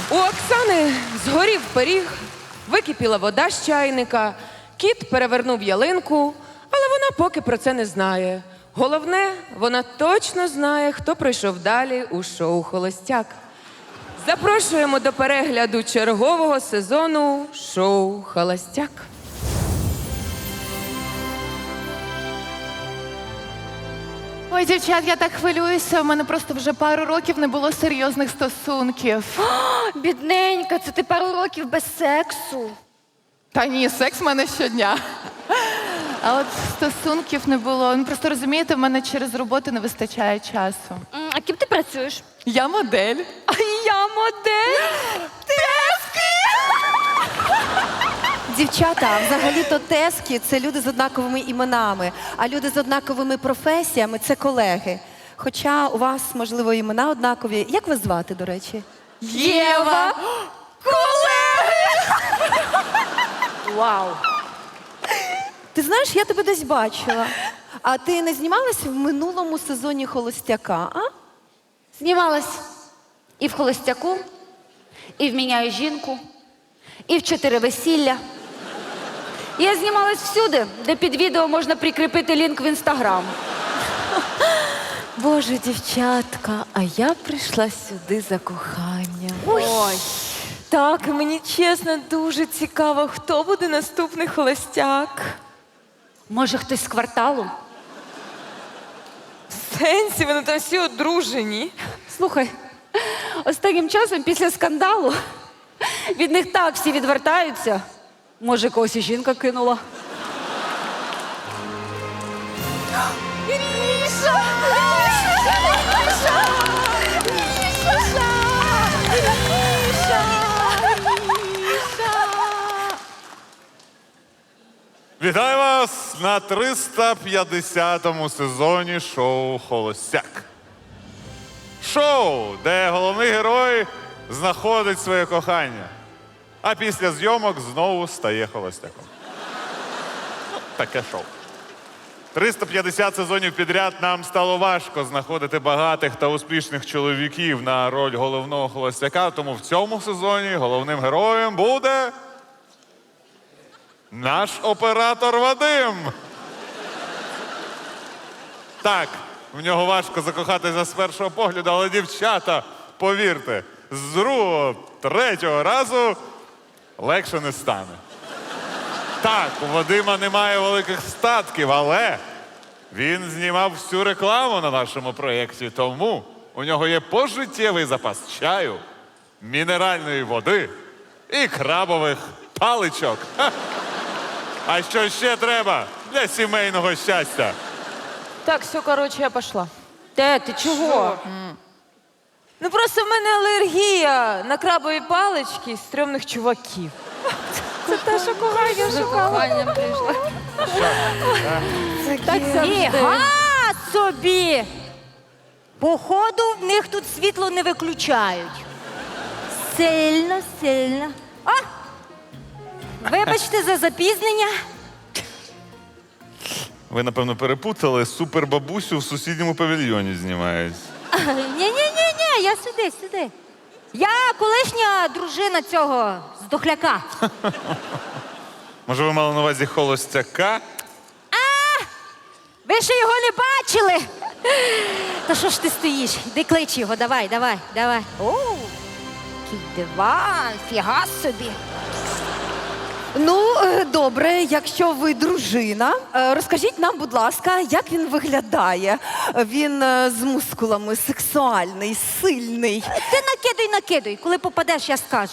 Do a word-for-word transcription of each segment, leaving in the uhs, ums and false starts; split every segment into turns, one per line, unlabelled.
У Оксани згорів пиріг, википіла вода з чайника, кіт перевернув ялинку, але вона поки про це не знає. Головне, вона точно знає, хто пройшов далі у шоу «Холостяк». Запрошуємо до перегляду чергового сезону шоу «Холостяк».
Ой, дівчат, я так хвилююся. У мене просто вже пару років не було серйозних стосунків.
Бідненька, це ти пару років без сексу.
Та ні, секс в мене щодня. А от стосунків не було. Ну, просто розумієте, в мене через роботу не вистачає часу.
М, А ким ти працюєш?
Я модель.
А я модель.
Дівчата, взагалі-то тески – це люди з однаковими іменами, а люди з однаковими професіями – це колеги. Хоча у вас, можливо, імена однакові. Як вас звати, до речі?
Єва!
Вау.
Ти знаєш, я тебе десь бачила. А ти не знімалась в минулому сезоні «Холостяка», а?
Знімалась і в «Холостяку», і в «Міняю жінку», і в «Чотири весілля». Я знімалась всюди, де під відео можна прикріпити лінк в Інстаграм.
Боже, дівчатка, а я прийшла сюди за коханням.
Ой.
Так, мені чесно дуже цікаво, хто буде наступний холостяк.
Може, хтось з кварталу?
В сенсі, вони там всі одружені.
Слухай, останнім часом після скандалу від них так всі відвертаються. Може, когось і жінка кинула.
Міша! Міша! Міша! Міша! Міша!
Вітаю вас на триста п'ятдесятому сезоні шоу «Холостяк». Шоу, де головний герой знаходить своє кохання, а після зйомок знову стає холостяком. Ну, таке шоу. триста п'ятдесят сезонів підряд нам стало важко знаходити багатих та успішних чоловіків на роль головного холостяка, тому в цьому сезоні головним героєм буде наш оператор Вадим. Так, в нього важко закохатися з першого погляду, але, дівчата, повірте, з другого, третього разу легше не стане. Так, у Вадима немає великих статків, але він знімав всю рекламу на нашому проєкті, тому у нього є пожиттєвий запас чаю, мінеральної води і крабових паличок. Ха! А що ще треба для сімейного щастя?
Так, все, коротше, я пішла.
Те, ти чого?
Ну просто в мене алергія на крабові палички і стрьомних чуваків. Це те, що кохання шукала.
Так
Ніга собі! Походу, в них тут світло не виключають. Сильно, сильно. А! Вибачте за запізнення.
Ви, напевно, перепутали, супербабусю в сусідньому павільйоні знімають.
Ні-ні-ні, я сюди, сюди. Я колишня дружина цього здохляка.
Може, ви мали на увазі холостяка?
Ви ще його не бачили? Та що ж ти стоїш? Іди клич його, давай, давай, давай. О, який диван, фіга собі.
Ну, е, добре, якщо ви дружина, е, розкажіть нам, будь ласка, як він виглядає. Він е, з мускулами, сексуальний, сильний,
Ти накидуй, накидуй, коли попадеш, я скажу.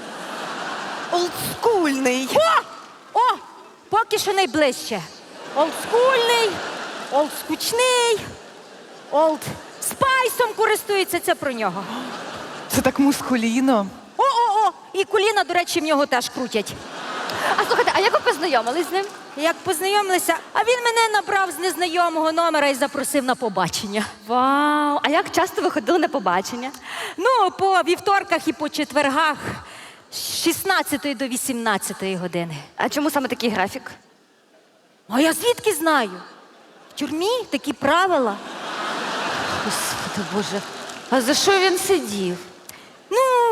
олдскульний.
О! О! Поки що найближче. Олдскульний, олдскучний, олд спайсом користується, це про нього.
Це так мускуліно.
О-о-о! І коліна, до речі, в нього теж крутять.
А слухайте, а як ви познайомились з ним?
Як познайомилися, а він мене набрав з незнайомого номера і запросив на побачення.
Вау! А як часто ви ходили на побачення?
Ну, по вівторках і по четвергах з шістнадцятої до вісімнадцятої години.
А чому саме такий графік?
А я звідки знаю? В тюрмі такі правила.
Господи Боже. А за що він сидів?
Ну, я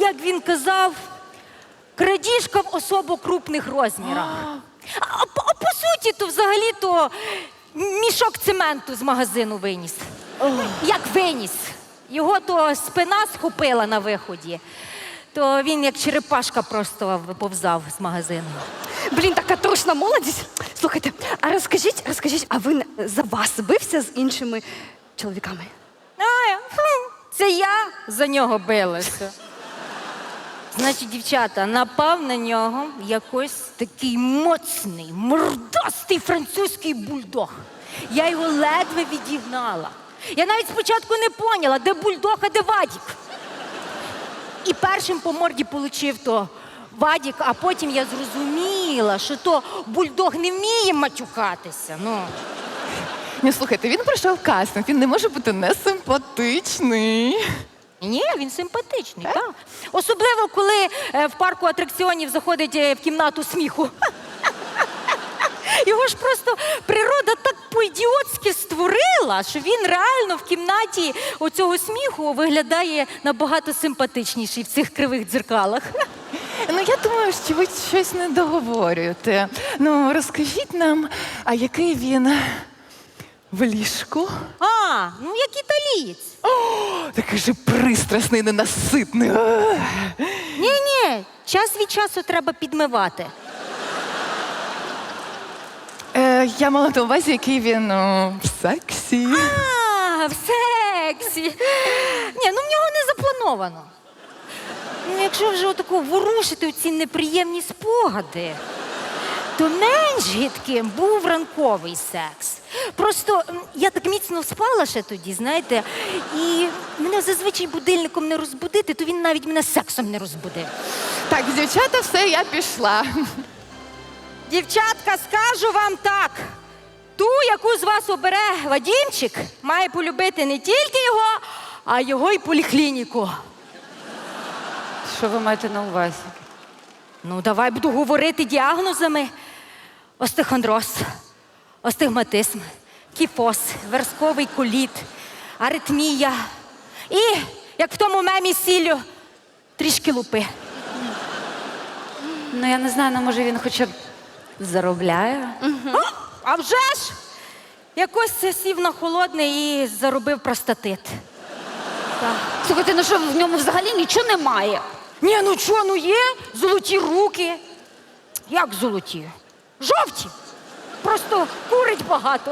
як він казав, крадіжка в особо крупних розмірах. А, а, по- а по суті, то взагалі-то мішок цементу з магазину виніс. Як виніс? Його то спина схопила на виході, то він як черепашка просто виповзав з магазину.
Блін, така трушна молодість. Слухайте, а розкажіть, розкажіть, а він за вас бився з іншими чоловіками?
А, фу, це я за нього билася. Значить, дівчата, напав на нього якось такий моцний, мордастий французький бульдог. Я його ледве відігнала. Я навіть спочатку не поняла, де бульдог, а де Вадік. І першим по морді получив то Вадік, а потім я зрозуміла, що то бульдог не вміє матюкатися. Ну.
Ні, слухайте, він пройшов кастинг, він не може бути несимпатичний.
Ні, він симпатичний, так. Особливо, коли е, в парку атракціонів заходить е, в кімнату сміху. Його ж просто природа так по-ідіотськи створила, що він реально в кімнаті оцього сміху виглядає набагато симпатичніший в цих кривих дзеркалах.
Ну, я думаю, що ви щось не договорюєте. Ну, розкажіть нам, а який він в ліжку?
А, ну як італієць.
Такий же пристрасний, ненаситний. Ах.
Ні-ні, час від часу треба підмивати.
Е, я мала на увазі, який він о, в сексі.
А, в сексі. Ні, ну в нього не заплановано. Ну, якщо вже отако ворушити ці неприємні спогади, то менш гидким був ранковий секс. Просто м, я так міцно спала ще тоді, знаєте, і мене зазвичай будильником не розбудити, то він навіть мене сексом не розбудив.
Так, дівчата, все, я пішла.
Дівчатка, скажу вам так. Ту, яку з вас обере Вадімчик, має полюбити не тільки його, а його й поліклініку.
Що ви маєте на увазі?
Ну, давай буду говорити діагнозами. Остеохондроз, астигматизм, кіфоз, версковий коліт, аритмія. І, як в тому мемі з сіллю, трішки лупи.
Ну, я не знаю, ну може він хоча б заробляє?
А, а вже ж! Якось сів на холодне і заробив простатит.
Слухайте, ну що в ньому взагалі нічого немає?
Ні, ну чого, ну є золоті руки. Як золоті? Жовті. Просто курить багато.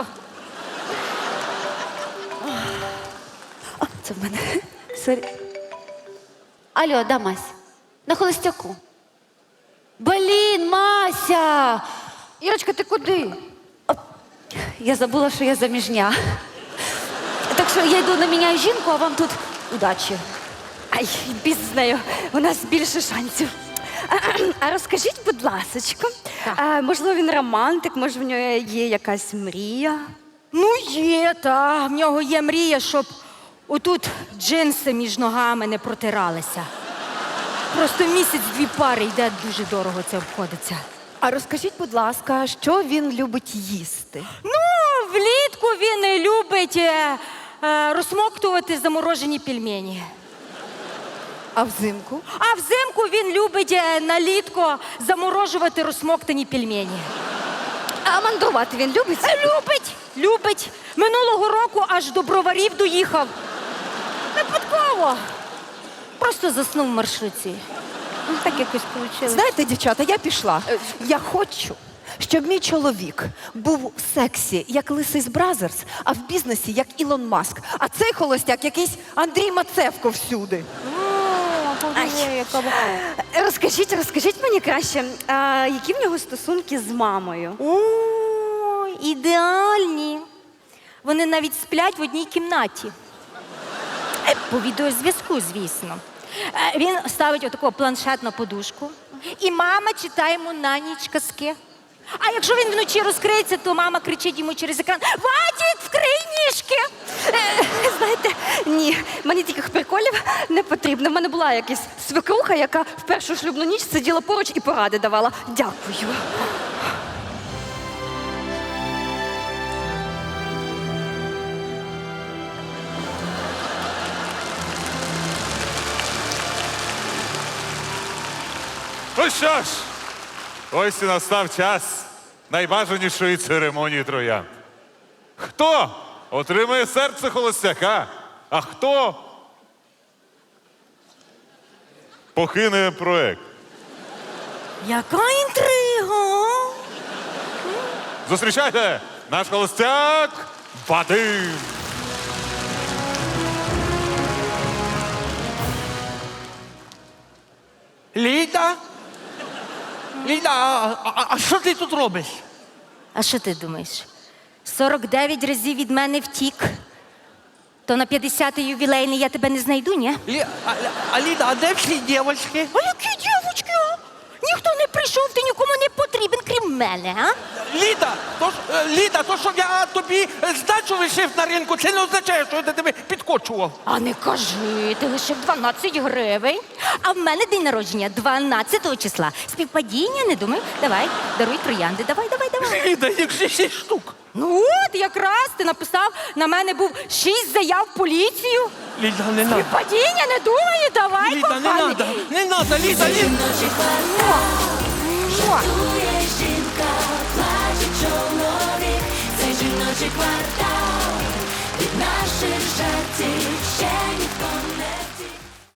Це в мене. Сорі. Алло, да, Мась? На холостяку. Блін, Мася! Ірочка, ти куди? О, я забула, що я заміжня. Так що я йду наміняю жінку, а вам тут удачі.
Ай, біз з нею, у нас більше шансів. А, а розкажіть, будь ласочка, а, можливо, він романтик, може, в нього є якась мрія?
Ну, є, та. В нього є мрія, щоб отут джинси між ногами не протиралися. Просто місяць-дві пари йде, дуже дорого це обходиться.
А розкажіть, будь ласка, що він любить їсти?
Ну, влітку він любить е, е, розсмоктувати заморожені пельмені.
А взимку?
А взимку він любить е, налітко заморожувати розсмоктані пельмені.
А мандрувати він любить?
Е, Любить, любить. Минулого року аж до броварів доїхав. Випадково. Просто заснув в маршрутці. Ну, так якось вийшло.
Знаєте, дівчата, я пішла. Я хочу, щоб мій чоловік був в сексі, як Лисий з Бразерс, а в бізнесі, як Ілон Маск. А цей холостяк якийсь Андрій Мацевко всюди. Розкажіть, розкажіть мені краще, а, які в нього стосунки з мамою?
О, ідеальні. Вони навіть сплять в одній кімнаті. Е, По відеозв'язку, звісно. Е, Він ставить отаку планшет на подушку, і мама читає йому на ніч казки. А якщо він вночі розкриється, то мама кричить йому через екран: «Вадік, вкрий ніжки!»
Е, Знаєте, ні, мені таких приколів не потрібно. В мене була якась свекруха, яка в першу шлюбну ніч сиділа поруч і поради давала. Дякую.
Ну що ж, ось і настав час найбажанішої церемонії троянд. Хто отримає серце холостяка, а хто покине проект?
Яка інтрига?
Зустрічайте, наш холостяк Вадим.
Ліда? Ліда, а, а, а що ти тут робиш?
А що ти думаєш? сорок дев'ять разів від мене втік. То на п'ятдесятий ювілейний я тебе не знайду, ні?
Лі, а, а Ліда, а де всі дівчатки?
А які дівочки, а? Ніхто не прийшов, ти нікому не потрібен, крім мене, а?
Ліда, то, ж, е, Ліда, то, що я тобі е, здачу лишив на ринку, це не означає, що я до тебе підкочував.
А не кажи, ти лишив дванадцять гривень. А в мене день народження дванадцятого числа. Співпадіння, не думай. Давай, даруй троянди. Давай, давай, давай.
Ліда, їх же шість штук.
Ну от, якраз ти написав, на мене був шість заяв в поліцію.
Ліда, не надо.
Співпадіння, не думаю, давай,
Ліда, не
коханий.
надо, не надо, Ліда, Ліда.
Жартує жінка, плаче чоловік, це жіночий квартал. Від наших жартів ще ніхто не втік.